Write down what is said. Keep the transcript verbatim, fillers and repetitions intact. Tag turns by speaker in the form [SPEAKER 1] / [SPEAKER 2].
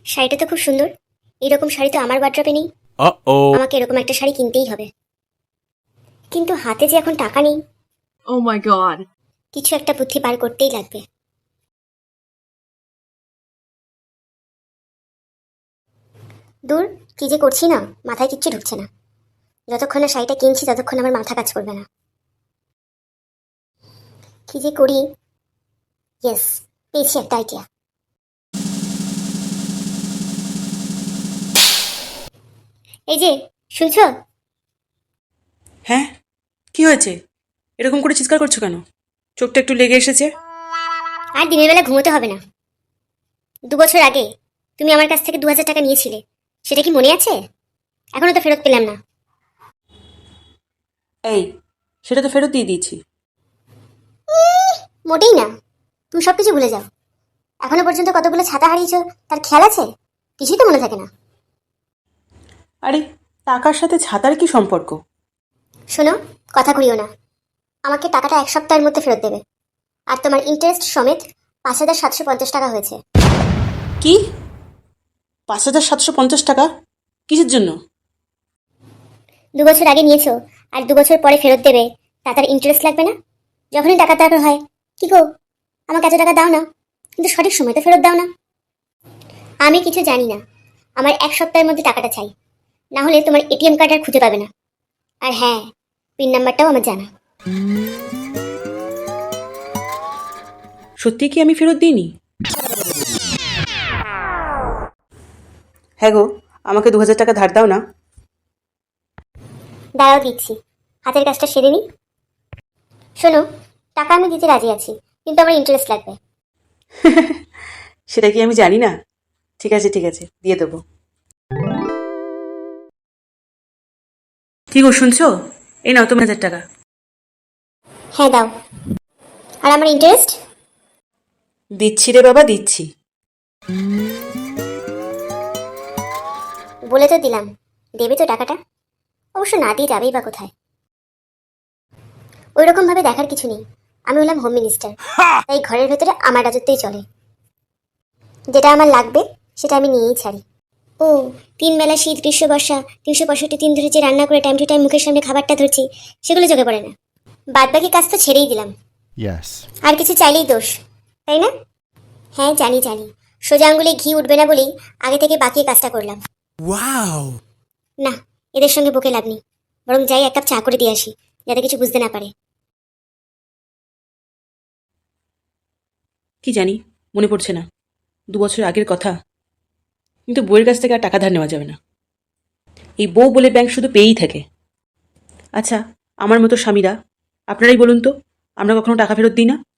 [SPEAKER 1] শাড়িটা তো খুব সুন্দর। এরকম শাড়ি তো আমার বাড্রপে নেই।
[SPEAKER 2] Uh-oh.
[SPEAKER 1] আমাকে এরকম একটা শাড়ি কিনতেই হবে। কিন্তু হাতে যে এখন টাকা নেই।
[SPEAKER 3] Oh my god.
[SPEAKER 1] কিছু একটা বুদ্ধি বার করতেই লাগবে। দূর, কি যে করছি না, মাথায় কিচ্ছু ঢুকছে না। যতক্ষণ না শাড়িটা কিনছি ততক্ষণ আমার মাথা কাজ করবে না। কি যে করি। ইয়েস, পেয়েছি একটা আইডিয়া। এই যে, শুনছো?
[SPEAKER 4] হ্যাঁ, কি হয়েছে? এরকম করে চিৎকার করছো কেন? চোখটা একটু লেগে এসেছে।
[SPEAKER 1] আর দিনের বেলা ঘুমোতে হবে না। দু বছর আগে তুমি আমার কাছ থেকে দু হাজার টাকা নিয়েছিলে, সেটা কি মনে আছে? এখনো তো ফেরত পেলাম না।
[SPEAKER 4] এই, সেটা তো ফেরত দিয়ে দিয়েছি।
[SPEAKER 1] মোটেই না, তুমি সব কিছু ভুলে যাও। এখনো পর্যন্ত কতগুলো ছাতা হারিয়েছো তার খেয়াল আছে? কিছুই তো মনে থাকে না।
[SPEAKER 4] আরে, টাকার সাথে ছাতার কি সম্পর্ক?
[SPEAKER 1] শোনো, কথা ঘুরিও না। আমাকে টাকাটা এক সপ্তাহের মধ্যে ফেরত দেবে। আর তোমার ইন্টারেস্ট সমেত পাঁচ হাজার সাতশো পঞ্চাশ টাকা হয়েছে।
[SPEAKER 4] কি? পাঁচ হাজার সাতশো পঞ্চাশ টাকা? কিসের জন্য?
[SPEAKER 1] দু বছর আগে নিয়েছো আর দু বছর পরে ফেরত দেবে, তা তার ইন্টারেস্ট লাগবে না? যখনই টাকা দরকার হয়, কি গো আমাকে এত টাকা দাও না, কিন্তু সঠিক সময় তো ফেরত দাও না। আমি কিছু জানি না, আমার এক সপ্তাহের মধ্যে টাকাটা চাই, না হলে তোমার এটিএম কার্ড আর খুঁজে পাবে না। আর হ্যাঁ, পিন নাম্বারটাও আমার জানা।
[SPEAKER 4] সত্যি কি আমি ফেরত দিইনি? হ্যাঁ গো, আমাকে দু হাজার টাকা ধার দাও না।
[SPEAKER 1] দাঁড়াও, দিচ্ছি। হাতের কাজটা সেরে নি। শোনো, টাকা আমি দিতে রাজি আছি, কিন্তু আমার ইন্টারেস্ট লাগবে।
[SPEAKER 4] সেটা কি আমি জানি না? ঠিক আছে ঠিক আছে, দিয়ে দেবো। কি গো, শুনছো? এই নাও তোমার হাজার টাকা।
[SPEAKER 1] হ্যাঁ, দাও। আর আমার ইন্টারেস্ট?
[SPEAKER 4] দিচ্ছি রে বাবা, দিচ্ছি।
[SPEAKER 1] বলে তো দিলাম, দেবে তো টাকাটা? অবশ্য না দিয়ে যাবেই বা কোথায়? ওই রকম ভাবে দেখার কিছু নেই। আমি হলাম হোম মিনিস্টার, তাই ঘরের ভেতরে আমার রাজত্বই চলে। যেটা আমার লাগবে সেটা আমি নিয়েই ছাড়ি। ও, তিন বেলা শীত গ্রীষ্ম বর্ষা তিনশো পঁয়ষট্টি দিন ধরে যে রান্না করে টাইম টু টাইম মুখের সামনে খাবারটা ধরছি, সেগুলো চোখে পড়ে না। বাদ বাকি কাজ তো ছেড়েই দিলাম।
[SPEAKER 2] Yes.
[SPEAKER 1] আর কিছু চাইলেই দোষ, তাই না? হ্যাঁ, জানি জানি। সোজা আঙ্গুলে ঘি উঠবে না বলেই আগে থেকে বাকি কাজটা করলাম।
[SPEAKER 2] Wow.
[SPEAKER 1] না, এদের সঙ্গে বকে লাভ নেই। বরং যাই এক কাপ চা করে দিয়ে আসি, যাতে কিছু বুঝতে না পারে।
[SPEAKER 4] কি জানি, মনে পড়ছে না। দু বছর আগের কথা। কিন্তু বউয়ের কাছ থেকে আর টাকা ধার নেওয়া যাবে না। এই বউ বলে ব্যাংক শুধু পেয়েই থাকে। আচ্ছা, আমার মতো স্বামীরা, আপনারাই বলুন তো, আমরা কখনো টাকা ফেরত দিই না?